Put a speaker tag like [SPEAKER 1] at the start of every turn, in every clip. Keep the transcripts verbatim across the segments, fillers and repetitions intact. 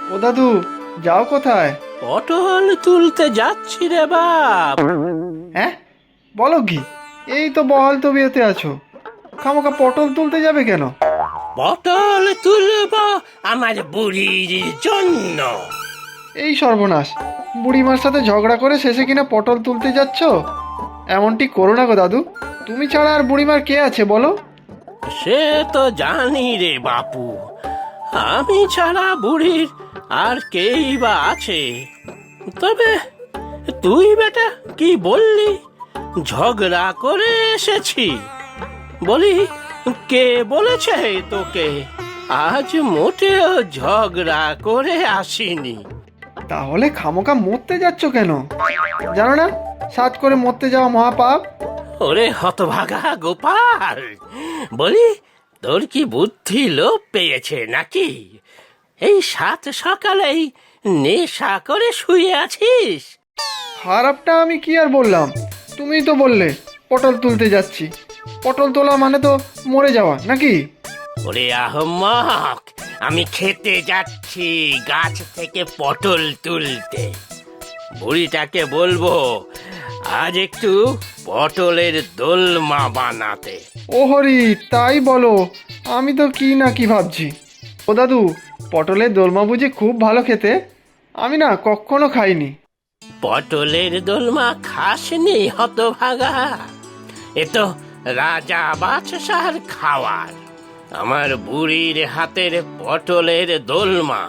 [SPEAKER 1] ও দাদু, যাও কোথায়?
[SPEAKER 2] পটল তুলতে যাচ্ছি রে বাপ।
[SPEAKER 1] হ্যাঁ, বলো কি? এই তো বহাল তবিয়তে আছো, খামোকা পটল তুলতে যাবে কেন?
[SPEAKER 2] পটল তুলব আমার বুড়ির জন্য।
[SPEAKER 1] এই সর্বনাশ, বুড়িমার সাথে ঝগড়া করে শেষে কিনা পটল তুলতে যাচ্ছ? এমনটি করো না গো দাদু, তুমি ছাড়া আর বুড়িমার কে আছে বলো?
[SPEAKER 2] সে তো জানি রে বাপু, আমি ছাড়া বুড়ির আর কেই বা আছে। তবে তুই বেটা কি বললি, ঝগড়া করে এসেছি? বলি, কে বলেছে তোকে? আজ মোটেও ঝগড়া করে আসিনি।
[SPEAKER 1] তাহলে খামোকা মরতে যাচ্ছ কেন? জানো না সাত করে মরতে যাওয়া মহাপাপ?
[SPEAKER 2] ওরে হতভাগা গোপাল, বলি তোর কি বুদ্ধি লোপ পেয়েছে নাকি? এই সাত সকালেই নেশা করে শুয়ে আছিস?
[SPEAKER 1] খারাপটা আমি কি আর বললাম, তুমিই তো বললে পটল তুলতে যাচ্ছি। পটল তোলা মানে তো মরে যাওয়া নাকি?
[SPEAKER 2] ওরে আহম্মক, আমি খেতে যাচ্ছি গাছ থেকে পটল তুলতে। বুড়িটাকে বলবো আজ একটু পটলের দোলমা বানাতে।
[SPEAKER 1] ও হরি, তাই বলো? আমি তো কি না কি ভাবছি। ও দাদু, পটলের দোলমা বুঝি খুব ভালো খেতে? আমি না কখনো খাইনি।
[SPEAKER 2] পটলের দোলমা খাসনি হতভাগা? এ তো রাজা বাদশার খাওয়ার। আমার বুড়ির হাতের পটলের দোলমা,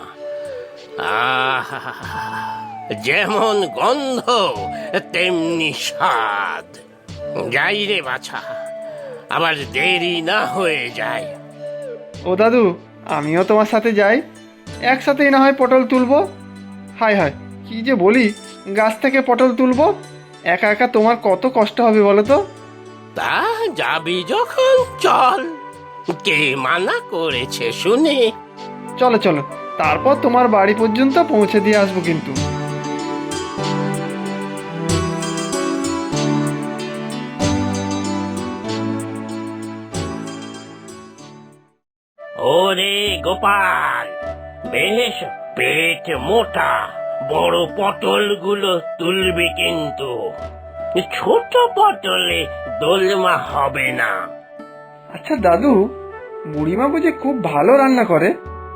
[SPEAKER 2] আহা, যেমন গন্ধ তেমনি স্বাদ। যাই রে বাছা, আবার দেরি না হয়ে যায়।
[SPEAKER 1] ও দাদু, আমিও তোমার সাথে যাই, একসাথেই না হয় পটল তুলবো। হায় হায়, কি যে বলি, গাছ থেকে পটল তুলবো, একা একা তোমার কত কষ্ট হবে বলো তো?
[SPEAKER 2] তা যাবি যখন চল, কে মানা করেছে শুনে?
[SPEAKER 1] চলো চলো, তারপর তোমার বাড়ি পর্যন্ত পৌঁছে দিয়ে আসবো কিন্তু।
[SPEAKER 2] ওরে গোপাল, বেশ পেট মোটা, বড় পটলগুলো তুলবি কিন্তু। ছোট পটলে দোলমা হবে না।
[SPEAKER 1] আচ্ছা দাদু, বুড়িমা বুঝি খুব ভালো রান্না করে?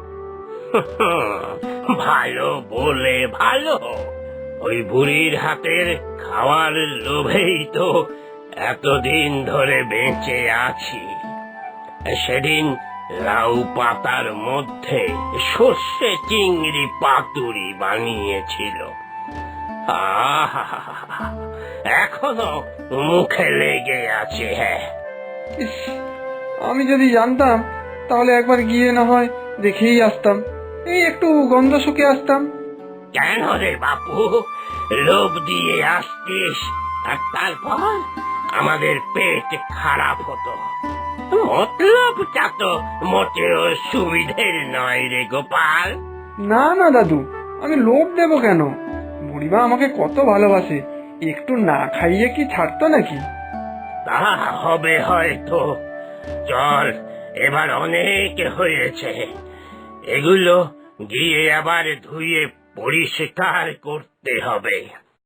[SPEAKER 2] ভালো বলে ভালো, ওই বুড়ির হাতের খাওয়ার লোভেই তো এতদিন ধরে বেঁচে আছি। সেদিন লাউ পাতার মধ্যে সর্ষে চিংড়ি পাতুরি বানিয়েছিল, আহা, এখনো মুখে লেগে আছে। হ্যাঁ,
[SPEAKER 1] ইস, আমি যদি জানতাম তাহলে একবার গিয়ে না হয় দেখেই আসতাম, এই একটু গন্ধ শুকে আসতাম।
[SPEAKER 2] কেন রে বাপু, লোভ দিয়ে আসতিস আর তারপর আমাদের পেট খারাপ হতো? মতলবটা তো মোটেও সুবিধের নয় রে গোপাল।
[SPEAKER 1] না না দাদু, আমি লোভ দেবো কেন? বুড়িমা আমাকে কত ভালোবাসে, একটু না খাইয়ে কি ছাড়তো নাকি?
[SPEAKER 2] তা হবে হয়তো। চল, এবার অনেক হয়েছে, এগুলো গিয়ে আবার ধুয়ে পরিষ্কার করতে হবে।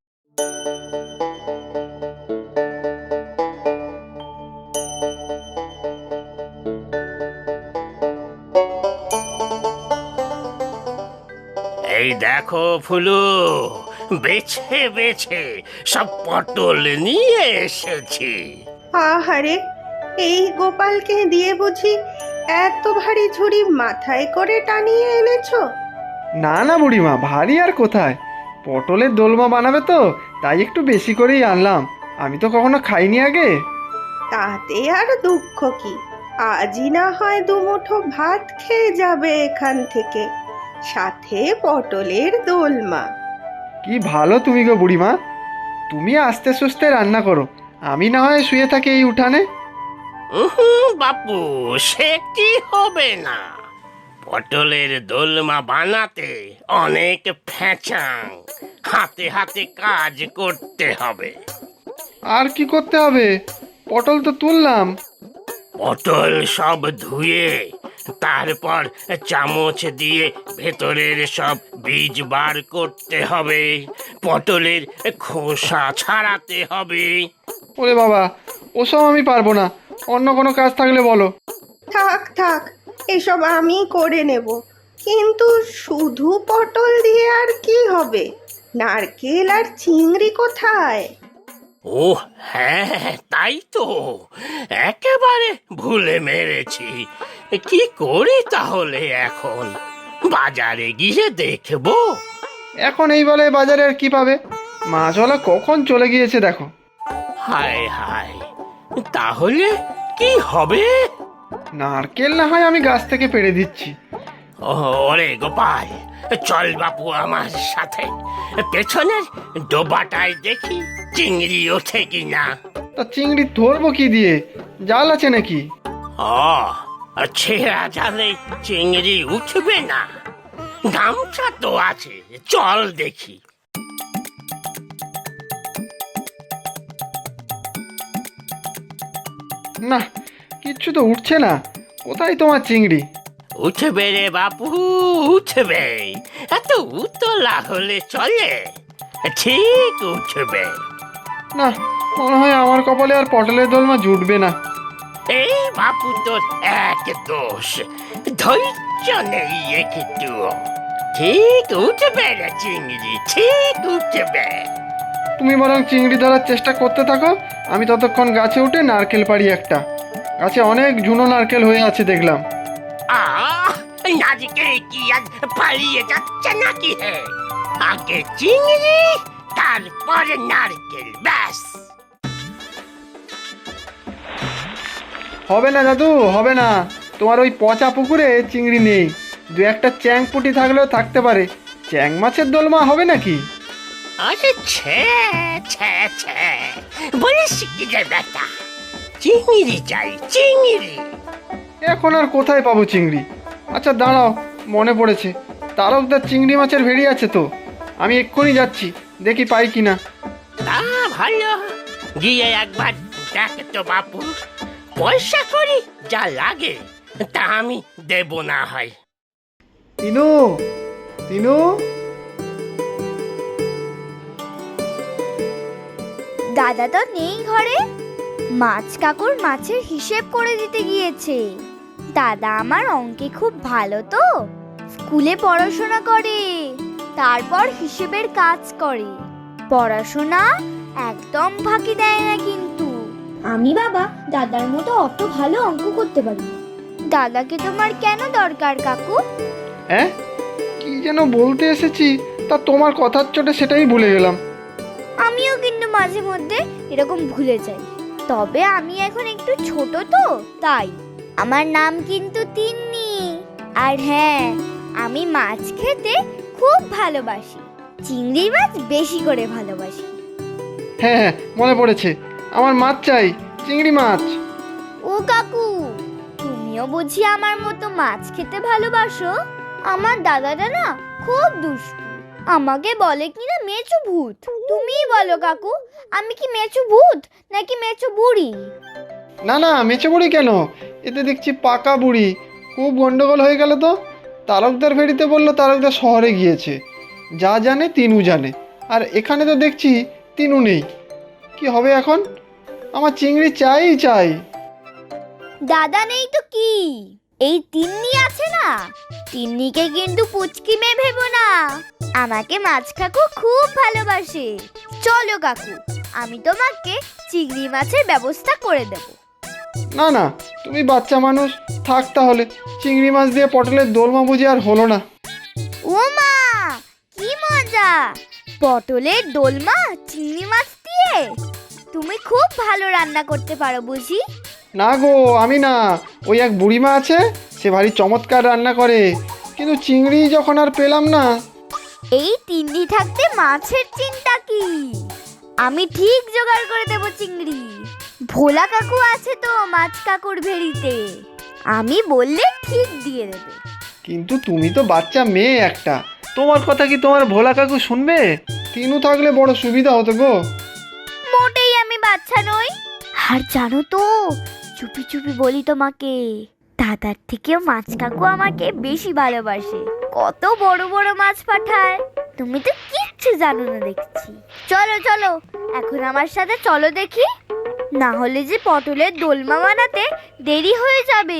[SPEAKER 2] এই দেখো ফুলু, বেছে বেছে সব পটল নিয়ে এসেছি।
[SPEAKER 3] আহারে, এই গোপালকে দিয়ে বুঝি এত ভারী ঝুড়ি মাথায় করে টানিয়ে এনেছো?
[SPEAKER 1] না না বুড়িমা, ভারী আর কোথায়, পটলের দোলমা বানাবে তো তাই একটু বেশি করেই আনলাম, আমি তো কখনো খাইনি আগে।
[SPEAKER 3] তাতে আর দুঃখ কি, আজই না হয় দুমুঠো ভাত খেয়ে যাবে এখান থেকে, সাথে পটলের দোলমা।
[SPEAKER 1] কি ভালো তুমি গো বুড়িমা, তুমি আস্তে সুস্তে রান্না করো, আমি না হয় শুয়ে থাকি এই উঠানে।
[SPEAKER 2] উহুম, বাপু, সে কি হবে না। পটলের দোলমা বানাতে অনেক ফ্যাচাং, হাতে হাতে কাজ করতে হবে।
[SPEAKER 1] আর কি করতে হবে? পটল তো তুললাম।
[SPEAKER 2] পটল সব ধুয়ে তারপর চামচ দিয়ে ভেতরের সব বীজ বার করতে হবে, পটলের খোসা ছাড়াতে হবে।
[SPEAKER 1] ওরে বাবা, ওসব আমি পারবো না, অন্য কোনো কাজ থাকলে বলো।
[SPEAKER 3] থাক থাক, এসব আমি করে নেব। কিন্তু শুধু পটল দিয়ে আর কি হবে? নারকেল আর চিংড়ি কোথায়?
[SPEAKER 2] ও হ্যাঁ, তাই তো, একেবারে ভুলে মেরেছি। কি করি তাহলে এখন? বাজারে গিয়ে দেখবো।
[SPEAKER 1] এখন এই বলে বাজারে আর কি পাবে? মাছওয়ালা কখন চলে গিয়েছে দেখো।
[SPEAKER 2] হায় হায়, তাহলে কি হবে?
[SPEAKER 1] নারকেল না হয় আমি গাছ থেকে পেড়ে দিচ্ছি।
[SPEAKER 2] ওরে গোপাল, চল বাপু আমার সাথে, পেছনের ডোবাটায় দেখি চিংড়ি ওঠে কিনা।
[SPEAKER 1] তা চিংড়ি ধরবো কি দিয়ে? জাল আছে নাকি?
[SPEAKER 2] ও, ছেঁড়া জালে চিংড়ি উঠবে না? গামছা তো আছে, চল দেখি।
[SPEAKER 1] না, কিচ্ছু তো উঠছে না। কোথায় তোমার চিংড়ি?
[SPEAKER 2] উঠবে রে বাপু, উঠবে। এত উতলা হলে চলে? ঠিক উঠবে।
[SPEAKER 1] না, মনে হয় আমার কপালে আর পটলের দোলমা জুটবে না।
[SPEAKER 2] এই বাপু তোর এক দোষ, ধৈর্য নেই একটু। ঠিক উঠবে রে চিংড়ি, ঠিক উঠবে।
[SPEAKER 1] তুমি বরং চিংড়ি ধরার চেষ্টা করতে থাকো, আমি ততক্ষণ গাছে উঠে নারকেল পাড়ি একটা। গাছে অনেক ঝুনো নারকেল হয়ে আছে দেখলাম।
[SPEAKER 2] আহ, নারকেল কি আজ পালিয়ে যাচ্ছে নাকি হে? আগে চিংড়ি, তারপরে নারকেল, ব্যাস।
[SPEAKER 1] হবে না দাদু, হবে না। তোমার ওই পচা পুকুরে চিংড়ি নেই। দু একটা চ্যাং পুঁটি থাকলেও থাকতে পারে। চ্যাং মাছের দোলমা হবে নাকি?
[SPEAKER 2] আরে ছে ছে ছে, বলিস কি রে বেটা? চিংড়ি চাই, চিংড়ি।
[SPEAKER 1] এখন আর কোথায় পাবো চিংড়ি? আচ্ছা দাঁড়াও, মনে পড়েছে, তারকদার চিংড়ি মাছের ভেড়ি আছে তো। আমি এক্ষুনি যাচ্ছি, দেখি পাই কিনা।
[SPEAKER 2] তা ভালো, গিয়ে একবার দেখ তো বাপু। পয়সা করি যা লাগে তা আমি দেব না হয়।
[SPEAKER 1] তিনু, তিনু।
[SPEAKER 4] দাদা তো নেই ঘরে। মাছ কাকুর মাছের হিসেব করে দিতে গিয়েছে। দাদা আমার অঙ্কে খুব ভালো তো, স্কুলে পড়াশোনা করে, তারপর হিসেবের কাজ করে। পড়াশোনা একদম ফাঁকি দেয় না কিন্তু।
[SPEAKER 5] আমি বাবা দাদার মতো অত ভালো অঙ্ক করতে পারি না।
[SPEAKER 4] দাদাকে তোমার কেন দরকার কাকু?
[SPEAKER 1] হ্যাঁ, কি যেন বলতে এসেছি, তা তোমার কথার চোটে সেটাই ভুলে গেলাম।
[SPEAKER 4] আমিও কিন্তু মাঝে মধ্যে এরকম ভুলে যাই, তবে আমি এখন একটু ছোট তো তাই। আমার নাম কিন্তু তিন্নি। আর হ্যাঁ, আমি মাছ খেতে খুব ভালোবাসি, চিংড়ি মাছ বেশি করে ভালোবাসি।
[SPEAKER 1] হ্যাঁ হ্যাঁ, মনে পড়েছে, আমার মাছ চাই, চিংড়ি মাছ।
[SPEAKER 4] ও কাকু, তুমিও বুঝি আমার মতো মাছ খেতে ভালোবাসো? আমার দাদাটা না খুব দুষ্টু, আমাকে বলে কিনা মেচো ভূত। তুমিই বলো কাকু, আমি কি মেচো ভূত নাকি মেচো বুড়ি?
[SPEAKER 1] না না, মেচে বুড়ি কেন? এতে দেখছি পাকা বুড়ি। খুব গন্ডগোল হয়ে গেল তো। তারকদার ভেড়িতে বললো তারকদার শহরে গিয়েছে, যা জানে তিনু জানে, আর এখানে তো দেখছি তিনু নেই। কি হবে এখন? আমার চিংড়ি চাই চাই।
[SPEAKER 4] দাদা নেই তো কি, এই তিন্নি আছে না। তিন্নিকে কিন্তু পুচকি মেয়ে ভেবো না, আমাকে মাছ কাকু খুব ভালোবাসে। চলো কাকু, আমি তোমাকে চিংড়ি মাছের ব্যবস্থা করে দেব।
[SPEAKER 1] না না, তুমি বাচ্চা মানুষ, থাক তাহলে। চিংড়ি মাছ দিয়ে পটলের দোলমা বুঝি আর হলো না।
[SPEAKER 4] ও মা, কি মজা! পটলের দোলমা চিংড়ি মাছ দিয়ে? তুমি খুব ভালো রান্না করতে পারো বুঝি?
[SPEAKER 1] না গো, আমি না, ওই এক বুড়িমা আছে, সে ভারী চমৎকার রান্না করে। কিন্তু চিংড়ি যখন আর পেলাম না।
[SPEAKER 4] এই তিন্নি থাকতে মাছের চিন্তা কি? আমি ঠিক জোগাড় করে দেব চিংড়ি। ভোলা কাকু আছে তো মাছ কাকুর ভেড়িতে, আমি বললে ঠিক দিয়ে দেবে।
[SPEAKER 1] কিন্তু তুমি তো বাচ্চা মেয়ে একটা, তোমার কথা কি তোমার ভোলা কাকু শুনবে? তিনু থাকলে বড় সুবিধা হতো গো।
[SPEAKER 4] মোটেই আমি বাচ্চা নই। আর জানো তো, চুপি চুপি বলি তোমাকে, দাদার থেকেও মাছ কাকু আমাকে বেশি ভালোবাসে, কত বড় বড় মাছ পাঠায়। তুমি তো কিচ্ছু জানো না দেখছি। চলো চলো, এখন আমার সাথে চলো দেখি, না হলে যে পটলের দোলমা বানাতে দেরি হয়ে যাবে।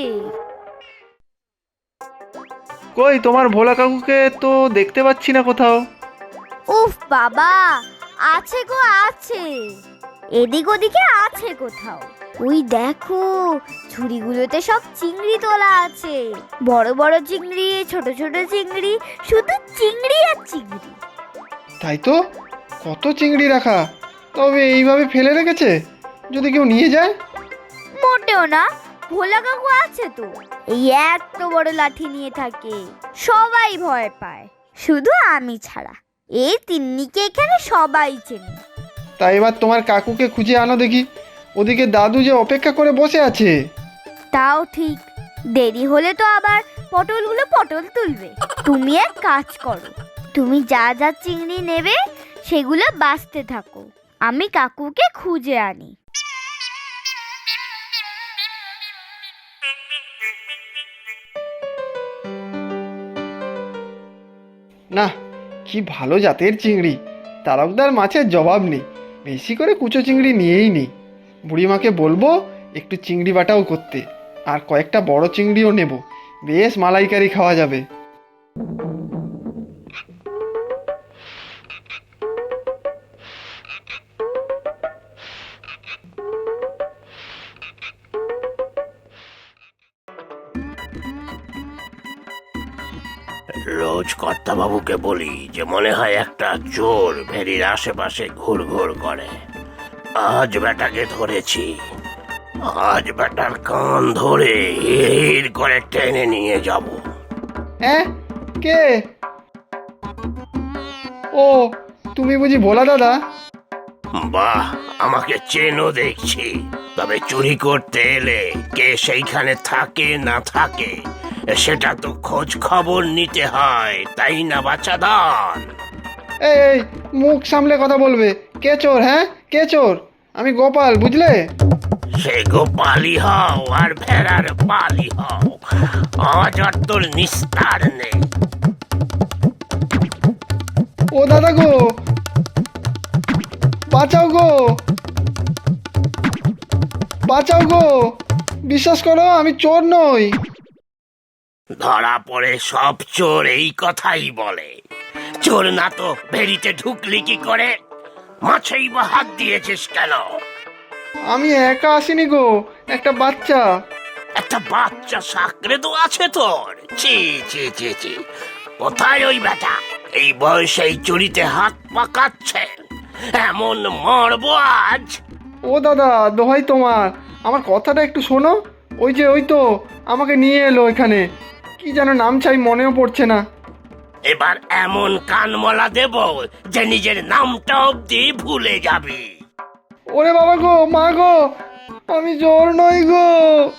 [SPEAKER 1] কই তোমার ভোলা কাকুকে তো দেখতে পাচ্ছি না কোথাও।
[SPEAKER 4] উফ বাবা, আছে গো আছে, এদিক ওদিকে আছে কোথাও। ওই দেখো, ঝুড়িগুলোতে সব চিংড়ি তোলা আছে, বড় বড় চিংড়ি, ছোট ছোট চিংড়ি, শুধু চিংড়ি আর চিংড়ি।
[SPEAKER 1] তাই তো, কত চিংড়ি রাখা। তবে এইভাবে ফেলে রেখেছে, যদি কেউ নিয়ে যায়।
[SPEAKER 4] মোটেও না, ভোলা কাকু আছে তো, এই এত বড় লাঠি নিয়ে থাকে, সবাই ভয় পায়, শুধু আমি ছাড়া। এই তিন্নিকে এখানে সবাই চেনে।
[SPEAKER 1] তাই এবার তোমার কাকুকে খুঁজে আনো দেখি, ওদিকে দাদু যে অপেক্ষা করে বসে আছে।
[SPEAKER 4] তাও ঠিক, দেরি হলে তো আবার পটলগুলো পটল তুলবে। তুমি এক কাজ করো, তুমি যা যা চিংড়ি নেবে সেগুলো বাছতে থাকো, আমি কাকুকে খুঁজে আনি।
[SPEAKER 1] না, কি ভালো জাতের চিংড়ি, তারকদার মাছের জবাব নেই। বেশি করে কুচো চিংড়ি নিয়েই নেই। বুড়িমাকে বলবো একটু চিংড়ি বাটাও করতে, আর কয়েকটা বড় চিংড়িও নেব, বেশ মালাইকারি খাওয়া যাবে।
[SPEAKER 2] রোজ কর্তাবাবুকে বলি যে মনে হয় একটা চোর ভেরির আশেপাশে ঘুর ঘুর করে। আজ বেটাকে ধরেছি, আজ বেটার কান ধরে হির করে টেনে নিয়ে যাব।
[SPEAKER 1] হ্যাঁ, কে? ও, তুমি বুঝি ভোলা দাদা?
[SPEAKER 2] বাহ, আমাকে চেনো দেখছি। তবে চুরি করতে এলে কে সেইখানে থাকে না থাকে সেটা তো খোঁজ খবর নিতে হয়, তাই না বাচ্চাদান?
[SPEAKER 1] এই এই, মুখ সামলে কথা বলবে। কে চোর? হ্যাঁ, কে চোর? আমি গোপাল, বুঝলে?
[SPEAKER 2] সে গোপালি হও আর ভেড়ার পালি হও, আজ আর তোর নিস্তার নেই।
[SPEAKER 1] ও দাদা গো, বাঁচাও গো, বাঁচাও গো, বিশ্বাস করো আমি চোর নই।
[SPEAKER 2] ধরা পড়ে সব চোর এই কথাই বলে। চোর না তো ভেড়িতে ঢুকলি কি করে? মাছেই বা হাত দিয়েছিস কেন?
[SPEAKER 1] আমি একা আসিনি গো, একটা বাচ্চা।
[SPEAKER 2] একটা বাচ্চা সাকরে তো আছে তোর? ছি ছি ছি ছি, কোথায় ওই বেটা? এই বয়সে এই চুরিতে হাত পাকাচ্ছে, এমন মরবো আজ।
[SPEAKER 1] ও দাদা, দোহাই তোমার, আমার কথাটা একটু শোনো। ওই যে ওই তো আমাকে নিয়ে এলো এখানে, কি যেন নাম চাই মনেও পড়ছে না।
[SPEAKER 2] এবার এমন কানমলা দেব যে নিজের নামটা অব্দি ভুলে যাবি।
[SPEAKER 1] ওরে বাবা গো, মা গো, আমি চোর নই গো।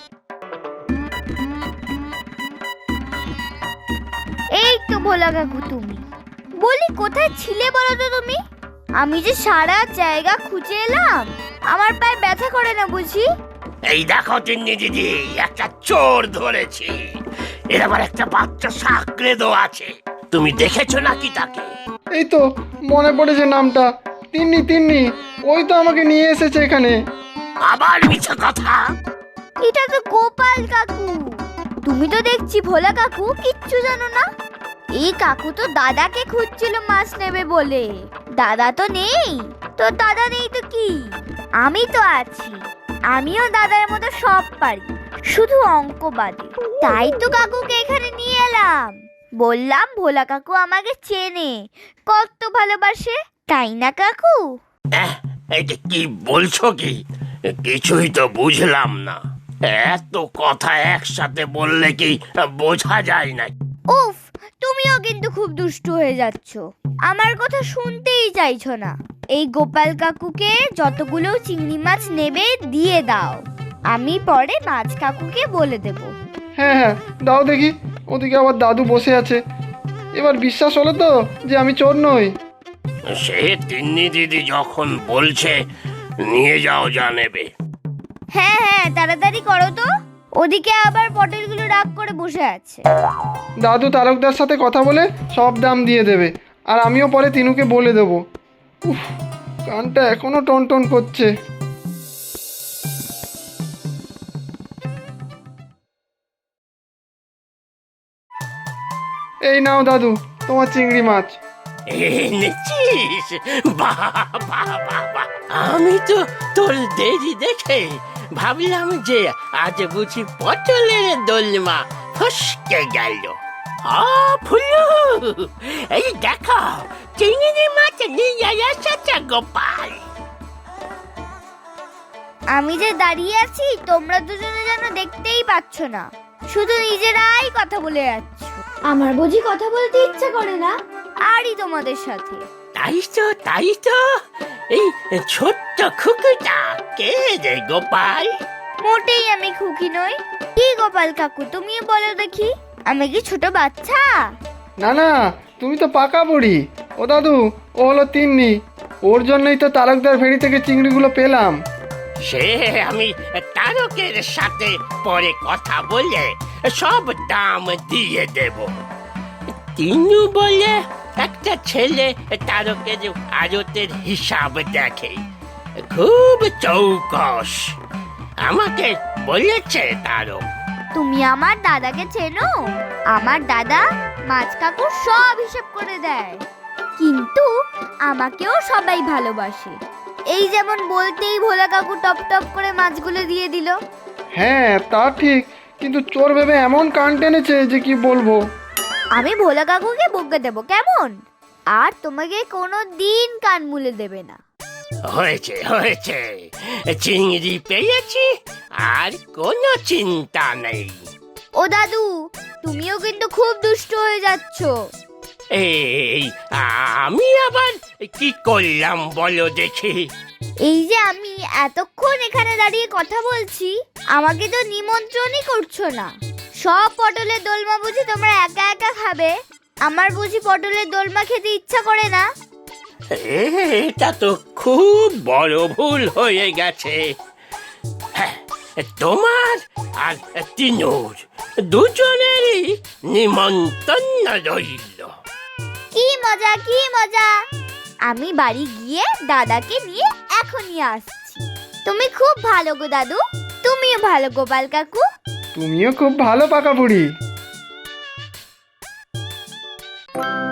[SPEAKER 4] এই তো ভোলা কাকু, তুমি বলি কোথায় ছিলে বলো তো তুমি? আমি যে সারা জায়গা খুঁজে এলাম, আমার পায়ে ব্যথা করে না বুঝি?
[SPEAKER 2] এই দেখো তিন্নি দিদি, একটা চোর ধরেছি। এর আবার একটা বাচ্চা সাকরে দো আছে, তুমি দেখেছো নাকি তাকে?
[SPEAKER 1] এই তো মনে পড়েছে নামটা, তিন্নি তিন্নি, ওই তো আমাকে নিয়ে এসেছে এখানে।
[SPEAKER 2] আবার মিছা কথা।
[SPEAKER 4] এটা তো গোপাল কাকু। তুমি তো দেখছি ভোলা কাকু কিচ্ছু জানো না। এই কাকু তো দাদাকে খুঁজছিল মাছ নেবে বলে। দাদা তো নেই তো, দাদা নেই তো কি, আমি তো আছি। আমিও দাদার মতো সব পারি, শুধু অঙ্ক বাদে। তাই তো কাকুকে এখানে নিয়ে এলাম। বললাম ভোলা কাকু আমাকে চেনে, কত ভালোবাসে, তাই না কাকু?
[SPEAKER 2] এহ, এটা কি বলছো কি? কিছুই তো বুঝলাম না। এত কথা একসাথে বললে কি বোঝা যায় না?
[SPEAKER 4] উফ, তুমিও কিন্তু খুব দুষ্টু হয়ে যাচ্ছ, আমার কথা শুনতেই চাইছো না। এই গোপাল কাকুকে যতগুলো চিংড়ি মাছ নেবে দিয়ে দাও, আমি পরে মাছ কাকুকে বলে দেব।
[SPEAKER 1] হ্যাঁ হ্যাঁ, দাও দেখি। ওদিকে আবার দাদু বসে আছে। এবার বিশ্বাস হলো তো যে আমি চোর নই?
[SPEAKER 2] সে তিন্নি দিদি যখন বলছে নিয়ে যাও যা নেবে।
[SPEAKER 4] হ্যাঁ হ্যাঁ, তাড়াতাড়ি করো তো, ওদিকে আবার পটলগুলো রাগ করে বসে আছে।
[SPEAKER 1] দাদু তারকদার সাথে কথা বলে সব দাম দিয়ে দেবে, আর আমিও পরে তিনুকে বলে দেবো। উফ, কানটা এখনো টন টন করছে। এই নাও দাদু তোমার চিংড়ি মাছ।
[SPEAKER 2] এনেছিস? বাহ বাহ বাহ বাহ! আমি তো তোর দেরি দেখে ভাবলাম যে আজ বুঝি পটলের দোলমা ফসকে গেল। আ ফুলু, এই দেখো চিংড়ি মাছ নিয়ে এসেছে গোপাল।
[SPEAKER 4] আমি যে দাঁড়িয়ে আছি তোমরা দুজনে যেন দেখতেই পাচ্ছ না, শুধু নিজেরাই কথা বলে যাচ্ছ।
[SPEAKER 5] আমার বুঝি কথা বলতে ইচ্ছা করে না?
[SPEAKER 4] আরই তোমাদের সাথে।
[SPEAKER 2] তাই তো তাই তো, এই ছোট্ট খুকুটা কে রে গোপাল?
[SPEAKER 4] মোটেই আমি খুকি নই। কি গোপাল কাকু, তুমিও বলো দেখি, আমি কি ছোট বাচ্চা?
[SPEAKER 1] না না, তুমি তো পাকা বুড়ি। ও দাদু, ও হলো তিন্নি। ওর জন্যই তো তারকদার ভেড়ি থেকে চিংড়িগুলো পেলাম।
[SPEAKER 2] সে আমি তারকের সাথে পরে কথা বলে সব দাম দিয়ে দেব। তিনু বলে একটা ছেলে তারকের আড়তের হিসাব দেখে, খুব চৌকস। আমাকে বলেছে তারক।
[SPEAKER 4] তুমি আমার দাদাকে চেনো? আমার দাদা মাছ কাকুর সব হিসেব করে দেয়, কিন্তু আমাকেও সবাই ভালোবাসে। এই যেমন বলতেই ভোলা কাকু টপ টপ করে মাছগুলো দিয়ে দিল।
[SPEAKER 1] হ্যাঁ তা ঠিক, কিন্তু চোর ভেবে এমন কান টেনেছে যে কি বলবো।
[SPEAKER 4] আমি ভোলা কাকুকে বকে দেবো কেমন? আর তোমাকে কোনো দিন কান মুলে দেবে না।
[SPEAKER 2] হয়েছে হয়েছে, চিংড়ি পেয়েছি, আর কোনো চিন্তা নেই।
[SPEAKER 4] ও দাদু, তুমিও কিন্তু খুব দুষ্ট হয়ে যাচ্ছ।
[SPEAKER 2] এই আমি আবার কি করলাম বলো দেখি?
[SPEAKER 4] এই যে আমি এতক্ষণ এখানে দাঁড়িয়ে কথা বলছি, আমাকে তো নিমন্ত্রণই করছো না। সব পটলের দোলমা বুঝি তোমরা একা একা খাবে? আমার বুঝি পটলের দোলমা খেতে ইচ্ছা করে না?
[SPEAKER 2] এটা তো খুব বড় ভুল হয়ে গেছে। হ্যাঁ, তোমার আর তিনুর দুজনেরই নিমন্ত্রণ রইল।
[SPEAKER 4] কি মজা কি মজা! আমি বাড়ি গিয়ে দাদাকে নিয়ে এখনই আসছি। তুমি খুব ভালো গো দাদু, তুমিও ভালো গোপাল কাকু।
[SPEAKER 1] তুমিও খুব ভালো পাকা বুড়ি।